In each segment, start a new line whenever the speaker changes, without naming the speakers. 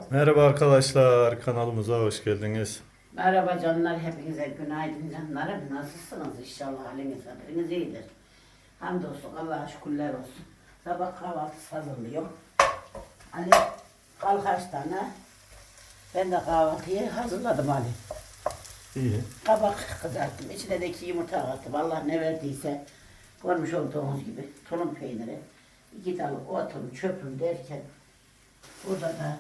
Merhaba arkadaşlar, kanalımıza hoş geldiniz.
Merhaba canlar, hepinize günaydın canlarım. Nasılsınız? İnşallah haliniz hatırınız iyidir. Hamdolsun, Allah'a şükürler olsun. Sabah kahvaltısı hazırlıyor. Ali kalk kaç tane. Ben de kahvaltıyı hazırladım Ali.
İyi.
Kabak kızarttım, içine de 2 yumurta attım. Allah ne verdiyse görmüş olduğunuz gibi tulum peyniri, 2 dal otum, çöpüm derken burada da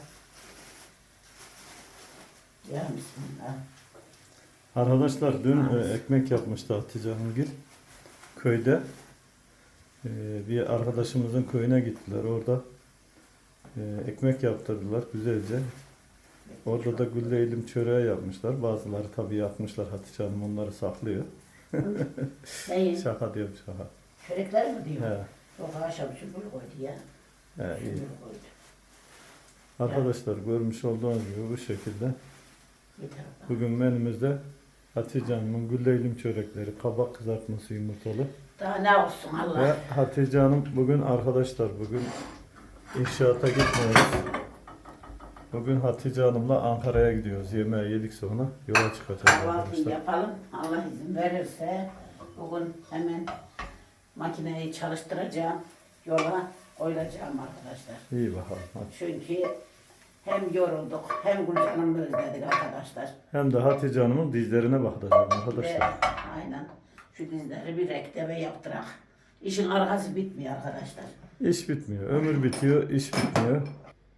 ya bismillah.
Arkadaşlar dün ekmek yapmıştı Hatice Hanımgil köyde. Bir arkadaşımızın köyüne gittiler. Orada ekmek yaptırdılar güzelce. Orada da gülleylim çöreği yapmışlar. Bazıları tabii yapmışlar, Hatice Hanım onları saklıyor.
Neyi?
Şaka diyorum, şaka.
Çörekler mi diyor?
He.
Yok akşam süpür koydu ya.
He, iyi.
Süpür koydu.
Arkadaşlar görmüş olduğunuz gibi bu şekilde.
Yeter bak.
Bugün menümüzde Hatice Hanım'ın gülleylim çörekleri, kabak kızartması yumurtalı.
Daha ne olsun Allah.
Ve Hatice Hanım bugün arkadaşlar inşaata gitmiyoruz. Bugün Hatice Hanım'la Ankara'ya gidiyoruz. Yemeği yedik sonra yola çıkacağız
Kahvaltıyı
arkadaşlar.
yapalım. Allah izin verirse bugün hemen makineyi çalıştıracağım. Yola koyulacağım arkadaşlar.
İyi bakalım. Hadi.
Çünkü hem yorulduk hem Gülcan'ımı özledik arkadaşlar.
Hem de Hatice Hanım'ın dizlerine bakacağız
Ve
arkadaşlar.
aynen şu dizleri bir rektebe yaptırak. İşin arkası bitmiyor arkadaşlar.
İş bitmiyor. Ömür bitiyor, iş bitmiyor.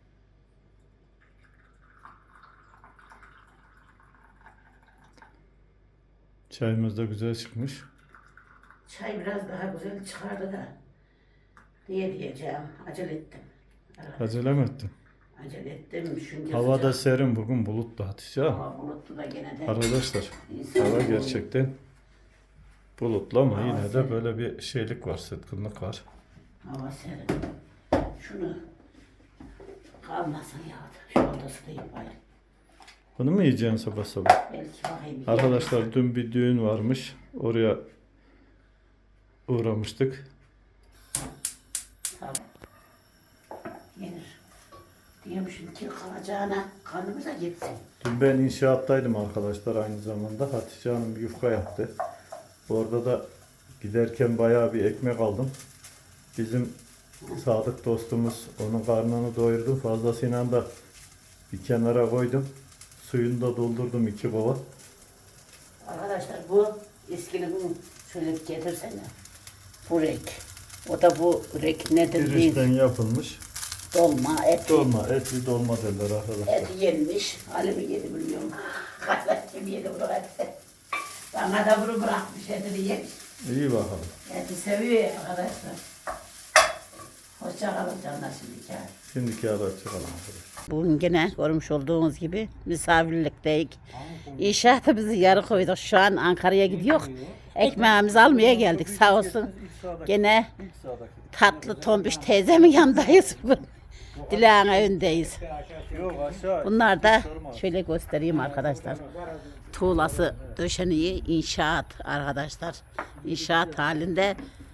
Çayımız da güzel çıkmış.
Çay biraz daha güzel çıkardı da diyeceğim. Acele ettim.
Acele mi ettin?
Acele ettim çünkü
Hava da
sıcak.
serin, bugün bulutlu Hatice Hanım.
Hava bulutlu da gene de.
Arkadaşlar
İnsan
hava
oluyor.
gerçekten bulutlu ama
Hava
yine de
serin.
böyle bir şeylik var, sıtkınlık var.
Hava serin. Şunu kalmasın ya. Şu odası da yapayım.
Bunu mu yiyeceksin sabah sabah?
Belki bakayım.
Arkadaşlar dün bir düğün varmış. Oraya uğramıştık.
Tamam. Yenir. Diyormuşum ki kalacağına kanımıza gitsin.
Dün ben inşaattaydım arkadaşlar aynı zamanda. Hatice Hanım bir yufka yaptı. Orada da giderken bayağı bir ekmek aldım. Bizim Sadık dostumuz onun karnını doyurdu. Fazlasıyla da bir kenara koydum. Suyunu da doldurdum 2 kova.
Arkadaşlar bu eskili bunu şöyle bir getirsene. Bu rek. O da bu rek nedir
Pirinçten
değil.
yapılmış.
Dolma, et.
Dolma, etli dolma derler arkadaşlar.
Et yenmiş. Ali mi yedi bilmiyorum. Kaçlar kim yedi bunu eti. Bana da bunu bırakmış etini yemiş.
İyi bakalım.
Eti seviyor ya arkadaşlar. Hoşça kalın canlar şimdiki hali.
Şimdiki ara çıkalım arkadaşlar.
Bugün gene görmüş olduğunuz gibi misafirlikteyiz. İnşaatımızı yarı koyduk. Şu an Ankara'ya gidiyor. Ekmeğimizi almaya geldik sağ olsun. Gene tatlı tombiş teyzemin yanındayız. Dilan evindeyiz. Bunlar da şöyle göstereyim arkadaşlar. Tuğlası döşeniği inşaat arkadaşlar. İnşaat halinde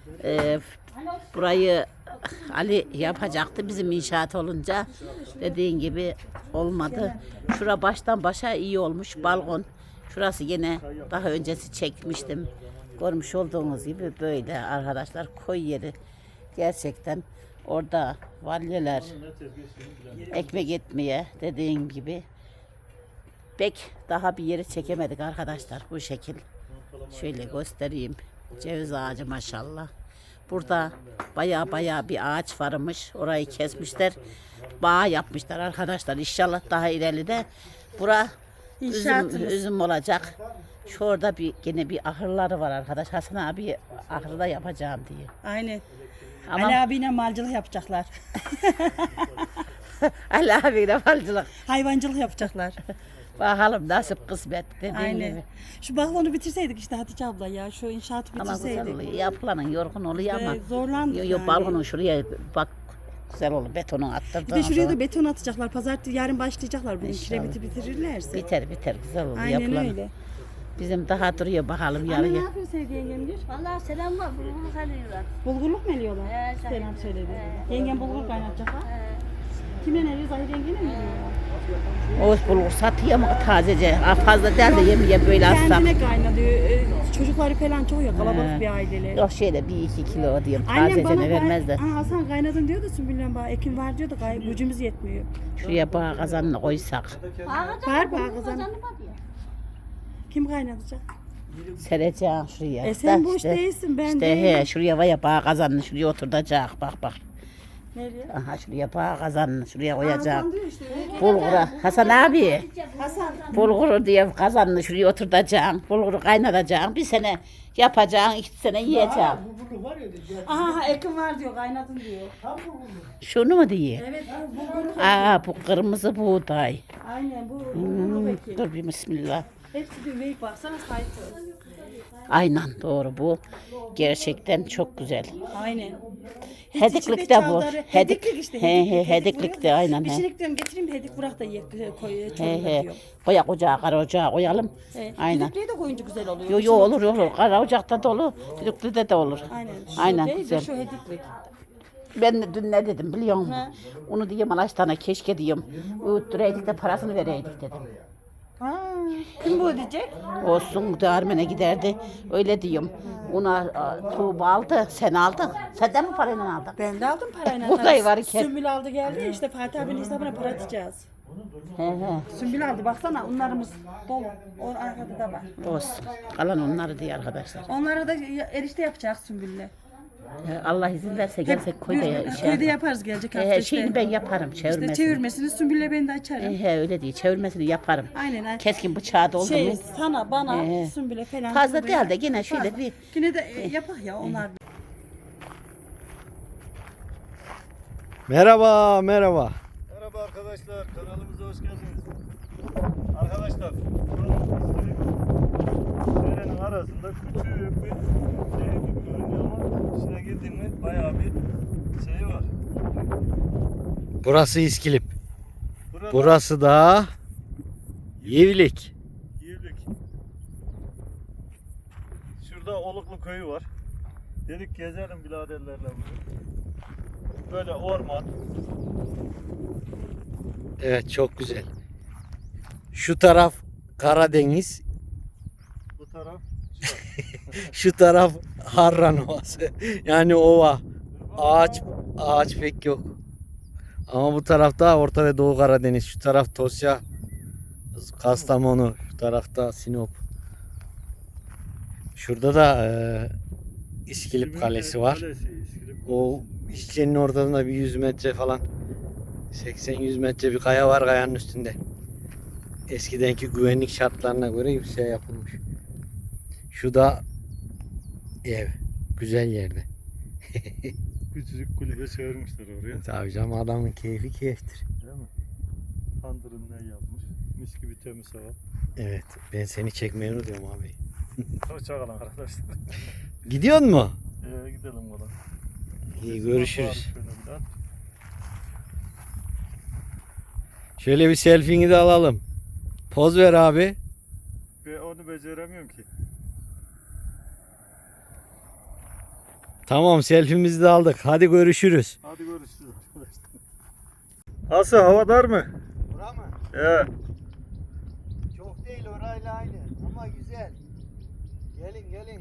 burayı Ali yapacaktı. Bizim inşaat olunca dediğin gibi olmadı. Şura baştan başa iyi olmuş. Balkon. Şurası yine daha öncesi çekmiştim. Görmüş olduğunuz gibi böyle arkadaşlar koy yeri. Gerçekten orada valyeler ekmek etmeye dediğim gibi pek daha bir yeri çekemedik arkadaşlar bu şekil. Şöyle göstereyim. Ceviz ağacı maşallah. Burada baya bir ağaç varmış. Orayı kesmişler. Bağ yapmışlar arkadaşlar. İnşallah daha ileride bura üzüm olacak. Şurada yine bir ahırları var arkadaş. Hasan abi ahırda yapacağım diye.
Aynen.
Ama
Ali abiyle malcılık yapacaklar.
Ali abiyle falcılık.
Hayvancılık yapacaklar.
Bakalım nasip kısmet dediğim
Aynen.
gibi.
Şu balkonu bitirseydik işte Hatice abla ya. Şu inşaatı
Ama güzel
bitirseydik.
oluyor. Yapılanın yorgun oluyor ama.
Zorlandık
Yo,
yani.
balkonun şuraya bak güzel olur. Betonu
Bir
attırdılar.
de şuraya da beton atacaklar. Pazartesi yarın başlayacaklar. Bu
İnşallah.
kiremiti bitirirlerse.
Biter güzel olur.
Aynen
Yapılan.
öyle.
Bizim daha duruyor bakalım
Anne ne
yarıya.
yapıyorsun sevgili yengem diyor.
Vallahi selam var. Bulgurluk alıyorlar.
Bulgurluk mu eliyorlar?
He,
Selam söyledi. Yengem bulgur kaynatacak ha. Kimle nereye Zahir yengene mi gidiyor?
O bulgur satıyor mu tazece? Fazla değil de yemeye böyle alsam.
Kendine kaynatıyor. Çocukları falan çok ya kalabalık bir aile.
Yok şöyle 1-2 kilo diyeyim.
Annem bana
Tazecene vermez de.
Hasan kaynadın diyordu Sümbül'den bana. Ekim var diyordu. Gücümüz yetmiyor.
Şuraya bağ kazanını koysak.
Var bana kızım. Kim kaynatacak?
Sereceğim şuraya.
Sen
Da
boş
işte-
değilsin ben
İşte
değilim.
he şuraya var ya bağ kazanını şuraya oturtacak. Bak bak.
Nereye?
Aha şuraya bağ kazanını şuraya koyacak.
Hasan diyor işte.
Bulgura. Hasan abi.
Hasan.
Bulguru diye kazanını şuraya oturtacaksın. Bulguru kaynatacaksın. Bir sene yapacaksın. 2 sene yiyeceksin.
Aha Ekim var diyor kaynatın diyor.
Şunu mu diye?
Evet bu
Bu kırmızı buğday.
aynen bu Ekim.
Dur bir bismillah.
Hepsi bir veyik baksana sahip.
Aynen doğru bu. Gerçekten çok güzel.
Aynen.
Hediklik de bu.
Hediklik işte.
Hediklik de aynen.
Bir
He.
şey diyorum getireyim de hedik bırak da koy
He
çorba
he.
diyor.
Koyak ocağa, kara ocağa koyalım. Aynen.
Hedikliği de koyunca güzel oluyor.
Yo olur olur. Kara ocakta da olur. Düdüklüde de olur.
Aynen. Şu
Aynen
değil de
güzel.
Şu hediklik.
Ben de dün ne dedim biliyor musun?
Ne?
Onu diyeyim Alaştan'a keşke diyeyim. Öğüttüreydik de parasını vereydik dedim.
Ha, kim bu diyecek?
Olsun Armen'e giderdi. Öyle diyeyim. Ona Tuğba aldı. Sen aldın. Senden mi parayla aldın?
Ben de aldım parayla.
Buğday var iken.
Sümbül aldı geldi ya, işte Fatih abinin hesabına para atacağız.
He he.
Sümbül aldı baksana onlarımız dolu. O arkada da var.
Olsun. Kalan onları diye arkadaşlar.
Onlara da erişte yapacağız Sümbül'le.
Allah izin verse gelsek köyde ya.
Köyde yaparız gelecek hafta işte.
Şeyini ben yaparım çevirmesini.
İşte çevirmesini Sümbül'le ben de açarım.
Öyle değil çevirmesini yaparım.
Aynen.
Keskin bıçağı da oldu
Şey
mu?
sana bana
He.
Sümbül'e falan.
Fazla
Tuğba'ya-
değil de yine şöyle bir
Yine de yapak ya onlar.
Merhaba, merhaba.
Merhaba arkadaşlar, kanalımıza hoş geldiniz. Arkadaşlar, derenin arasında küçük bir şey gibi görünüyor ama içine girdin mi bayağı bir şey var.
Burası İskilip.
Burada
Burası da Yivlik.
Yirlik. Şurada Oluklu köyü var. Dedik gezelim biraderlerle bugün. Böyle orman.
Evet, çok güzel. Şu taraf Karadeniz,
Bu taraf
şu taraf Harran Ovası. Yani ova. Ağaç pek yok. Ama bu tarafta Orta ve Doğu Karadeniz. Şu taraf Tosya, Kastamonu. Şu tarafta Sinop. Şurada da İskilip Kalesi var. O İskelenin ortasında bir 100 metre falan 80-100 metre bir kaya var, kayanın üstünde. Eskidenki güvenlik şartlarına göre bir şey yapılmış. Şu da ev. Güzel yerde.
Küçücük kulübe çevirmişler oraya.
Tabii canım, adamın keyfi keyiftir.
Değil mi? Tandırından yapmış. Mis gibi temiz hava.
Evet, ben seni çekmeyi unutuyorum abi.
Hoşçakalın arkadaşlar.
Gidiyor mu?
Gidelim oğlum.
İyi, görüşürüz.
Şöyle bir daha.
Şöyle bir selfie'ni de alalım. Poz ver abi.
Ben onu beceremiyorum ki.
Tamam, selfie'mizi de aldık. Hadi görüşürüz.
Hadi görüşürüz arkadaşlar. Nasıl, hava dar mı?
Bura mı?
Evet.
Çok değil, orayla aynı ama güzel. Gelin.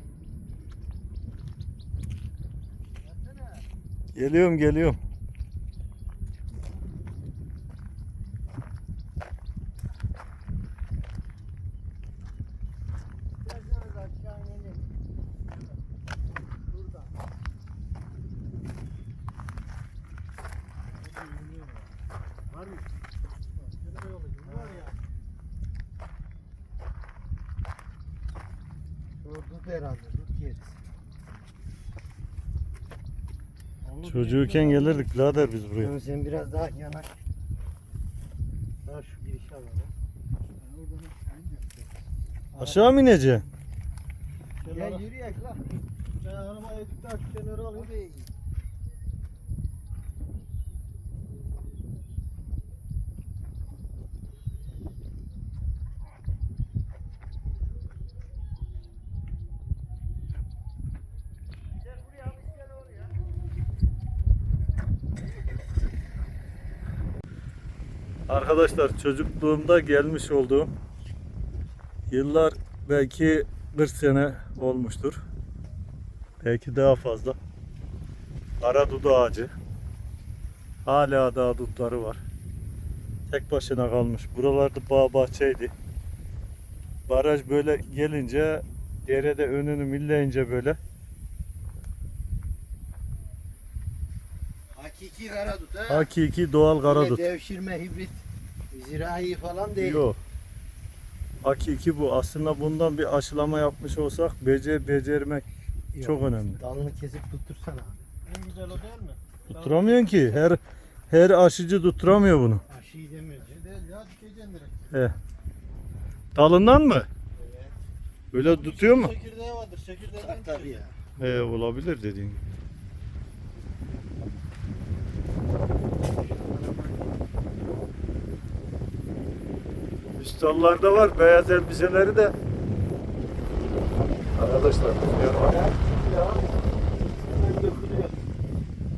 Geliyorum.
Dut herhalde, dut yeriz.
Çocuğuken gelirdik birader biz buraya.
Sen biraz daha yanaş. Daha şu girişi alalım.
Aşağı mı ineceksin?
Gel yürüyek lan. Ben arabayı edip daha şu kenara alayım.
Arkadaşlar çocukluğumda gelmiş olduğum yıllar belki 40 sene olmuştur. Belki daha fazla. Aradudu ağacı. Hala daha dutları var. Tek başına kalmış. Buralarda bağ bahçeydi. Baraj böyle gelince derede önünü milleyince böyle
Hakiki karadut ha.
hakiki doğal karadut.
Öyle devşirme hibrit zirai falan değil.
Yok. Hakiki bu. Aslında bundan bir aşılama yapmış olsak becermek
Yok.
çok önemli.
Dalını kesip tuttursana. En güzel o değil mi?
Tutturamıyorsun ki. Her aşıcı tutturamıyor bunu.
Aşıyı demiyoruz. Değil ya, dikeceksin direkt.
He. Dalından mı? Öyle tutuyor mu?
Çekirdeği vardır. Çekirdeği tabii ya.
Olabilir dediğin gibi. Üstallarda var beyaz elbiseleri de. Arkadaşlar rüzgar var.